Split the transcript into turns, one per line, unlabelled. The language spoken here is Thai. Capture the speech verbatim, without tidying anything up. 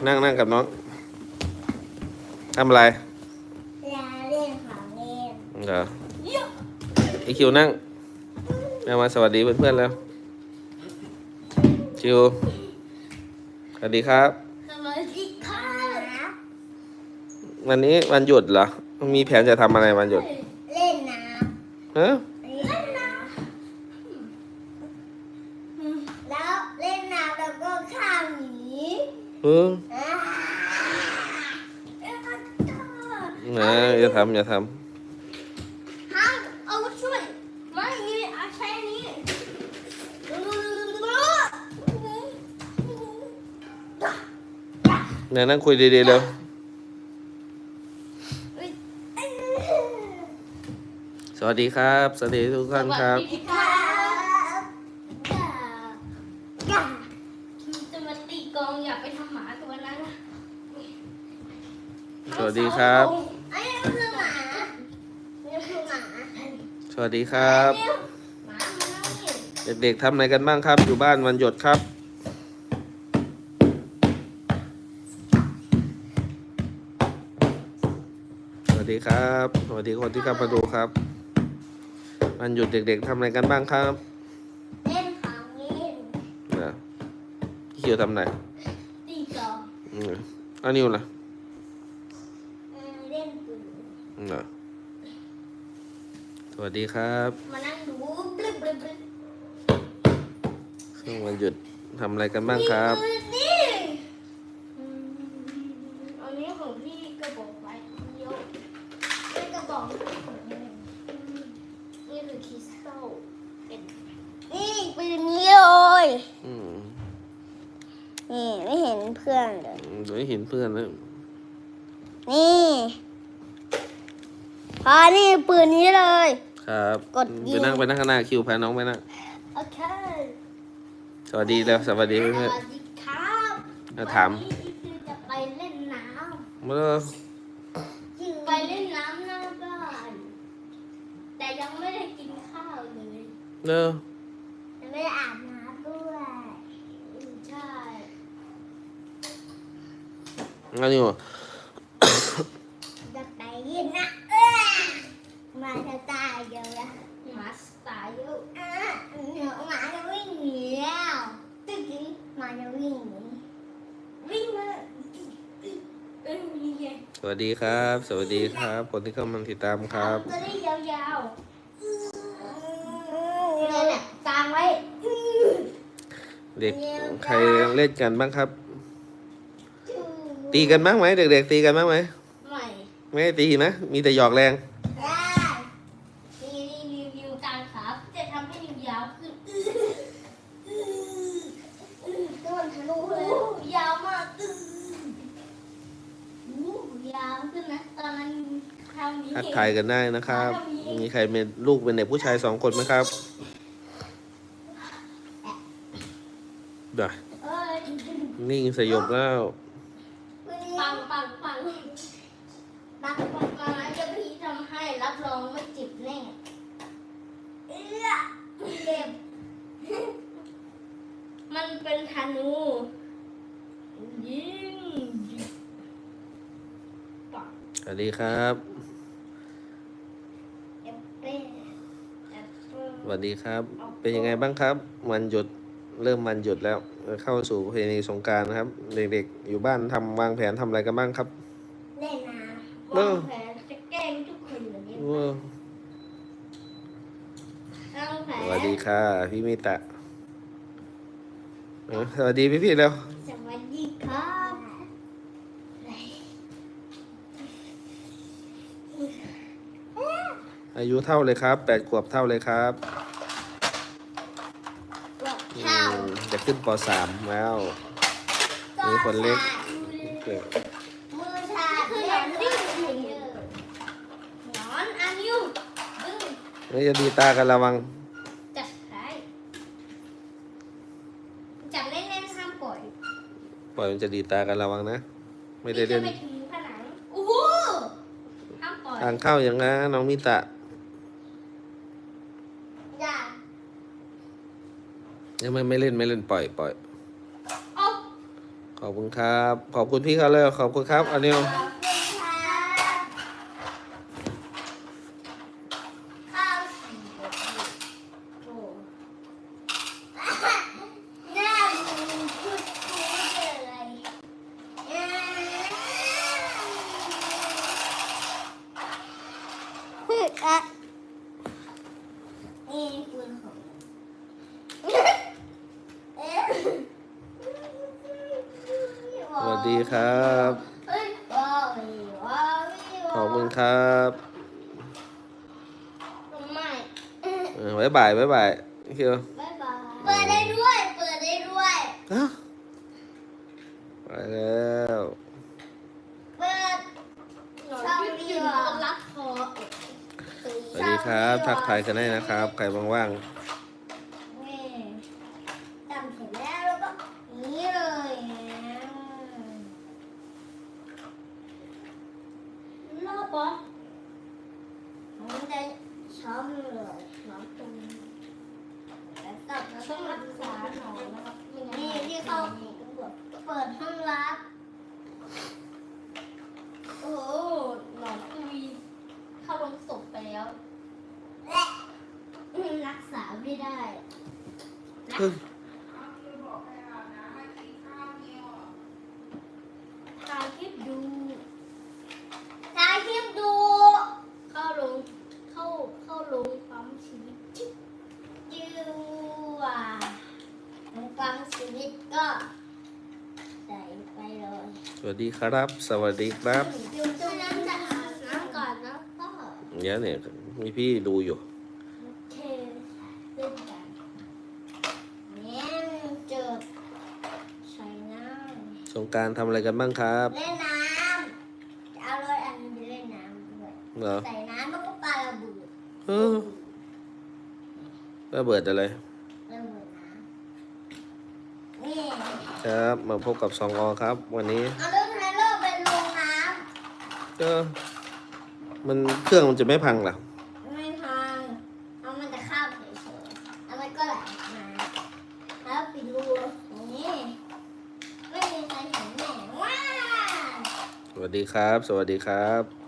นั่งนั่งกับน้องทำอะไร
ยาเล่นของเล่น
เหรอไอคิวนั่งเอามาสวัสดีเพื่อนๆแล้วคิวสวัสดีครับ
สวัสดีครับ
วันนี้วันหยุดเหรอมีแผนจะทำอะไรวันหยุด
เล่นน้
ฮะ
ำเล่นน้ำแล้วเล่นน้ำแล้วก็ข้ามหนี
เออนะอย่าทำอย่าทำ
ห้ามเอาช่วยไม่นี่เอาใช้นี้
เนี่ยนั่งคุยดีๆเร็วสวัสดีครับสวัสดีทุกท่านครับ
จะมาตีกองอย่าไปทำหมาตัวนั้นนะ
สวัสดีครับ
อันนี้คือหมานี่คือหมา
สวัสดีครับ
หมามันนั่งนี่
เด็กๆทำอะไรกันบ้างครับอยู่บ้านวันหยุดครับสวัสดีครับสวัสดีคนที่เข้ามาดูครับวันหยุดเด็กๆทำอะไรกันบ้างครับ
เล่นของเล่น
นะพี่คิวทำไหน
ตีกอง
อืมอันนิวล่ะ
เล่นปืน
นะสวัสดีครับ
มานั่งดูบลิบบลิบบลิบ
ช่วงวันหยุดทำอะไรกันบ้างครับ
นี่อืมอันนี้ของพี่กระบอกไว้เยอะเป็นกระบอกของนี่นี่คือคริสตัลเป็นนี่ปืนนี้เลย
อืม
นี่ไม่เห็นเพื่อนเลย
เดี๋ยวเห็นเพื่อนแล้ว
นี่พอนี่ปืนนี้เลย
ครับ
กดยิง
ไปนั่งไปนั่งข้างหน้าคิวพาน้องไปนั่ง
โอเค
สวัสดีแล้วสวัสดี
ส
เพื่อน
วัสดีครับ
ๆอ่ะถาม
วันนี้คือจะไปเล่นน้
เมื่อ
ำไปเล่นน้ำหน้าบ้านแต่ยังไม่ได้กินข้าวเลย
เนอะ
ยังไม่ได้อาบน้ำด้วยอืมใช่
อันนี้วะ
จะไปยินนะเอ้ยมาจะตายเยอะแล้วหมาตายเยอะอ่ะเดี๋ยวหมาจะวิ่งหนีแล้วตึ๊ดหมาจะวิ่งหนีวิ่งมาเอ้ยวิ่งไง
สวัสดีครับ สวัสดีครับคนที่เข้ามาติดตามครับ
จะได้ยาวๆนี่แหละกางไว้
เด็กใครเล่นกันบ้างครับ ตีกันบ้างไหมเด็กๆตีกันบ้างไหม
ใหม่
ไม่ได้ตีนะมีแต่หยอกแรง
ได้นี่รีวิวกางขาจะทำให้ยาวขึ้นต้นทะลุเลยยาวมากยาวขึ้นนะตอนนั้นทำนี้
ทักทายกันได้นะครับ มีใครเป็นลูกเป็นเด็กผู้ชายสองคนไหมครับเดี๋ยว
เอ้ย
นิ่งสยบแล้ว
ปังปังปังปังปังมาจะพี่ทำให้รับรองไม่จิบแน่เอื้อเจ็บมันเป็นธนูยิง
สวัสดีครับ
เอฟเป้แอปเปิ้ล
สวัสดีครับ เป็นยังไงบ้างครับวันหยุดเริ่มวันหยุดแล้วเข้าสู่ประเพณีสงกรานต์นะครับ เด็กๆอยู่บ้านทำวางแผนทำอะไรกันบ้างครับ
เล่นน้ำวางแผนจะแกล้งทุกคนเหมือนนี้
ว้าว
วางแผน
สวัสดีค่ะพี่มิตะเออสวัสดีพี่ๆแล้ว
สวัสดีครับไหน
อายุเท่าเลยครับแปดขวบเท่าเลยครับ
บอก
อื
เท้าม
จะขึ้นปสามแล้วมีคนเล็กเกิด
มือชาคือหนอนดิ้นหนอนอันยูดึง
นี่จะดีตากันระวัง
จับใครจับแน่นๆห้ามปล่อย
ปล่อยมันจะดีตากันระวังนะไม่ได้เล่น
จะไปถึงผนังโอ้โหห้ามปล่อย
ทางเข้าอย่างนะน้องมิตะ
อย่า
ยังไม่ไม่เล่นไม่เล่นปล่อยปล่อย
เอา
เขขอบคุณครับ ขอบคุณพี่เขาเลยขอบคุณครับอันนี้
ขอบคุณครับข้าวสี่บวกหนึ่งโอ้หน้ามึงพูดพูดอะไรอ่าฮึอ่ะนี่ปืนของเอ๊ะ
สวัสดีครับ
เฮ้ยว้าวว้าวว้าว
ขอบคุณครับ
ไม่
เออบ๊ายบายบ๊ายบายเคียว
บ๊ายบายเปิดได้ด้วย เปิดได้ด้วย
ฮะไปแล้ว
เปิดช่องนี้คนรักพอ
สวัสดีครับทักทายกันได้นะครับใครว่าง
นี่จำเสร็จแล้วแล้วก็นี้เลยรอบปะมันจะช้อมเลยช้อมตรงนี้แล้วก็ช่องรักษาหนอนนะครับนี่ที่เข้าเปิดห้องรับ
โอ้โหหนอนคุยเข้าลงศพไปแล้ว
และรักษาไม่ได้
ๆเฮ้ย
ถ่ายคลิปดู
ถ่ายคลิปดู
เข้าลงเข้าเข้าลงปั๊มชีวิต
ยืว่าฟังชีวิตก็ใส่ไปเลย
สวัสดีครับ สวัสดีครับ
อยู่ตรงนั้นจะอาบน้ำก่อนนะก็
เดี๋ยวเนี่ยมีพี่ดูอยู่
โอเคเล่นกันเนี่ยเจอใส่น้ำ
สงกรารทำอะไรกันบ้างครับ
เล่นน้ำจะเอารถอันนี้ไปเล่นน้ำด้วย
เหรอ
ใส่น้ำแล้วก็ปาระเบิด
เออระเบิดอะไร
ระเบิดน้ำนี่
ครับมาพบกับซองอครับ วันนี้
เอารถไทเลอร์ไปลงน้
ก็มันเครื่องมันจะไม่พังเหรอ
ำไม่พังเอามันจะข้ามเฉยๆแล้วมันก็ไหลออกมาแล้วปิดรูอย่างนี้ไม่มีใครเห็นแน่ว้า
สวัสดีครับ สวัสดีครับ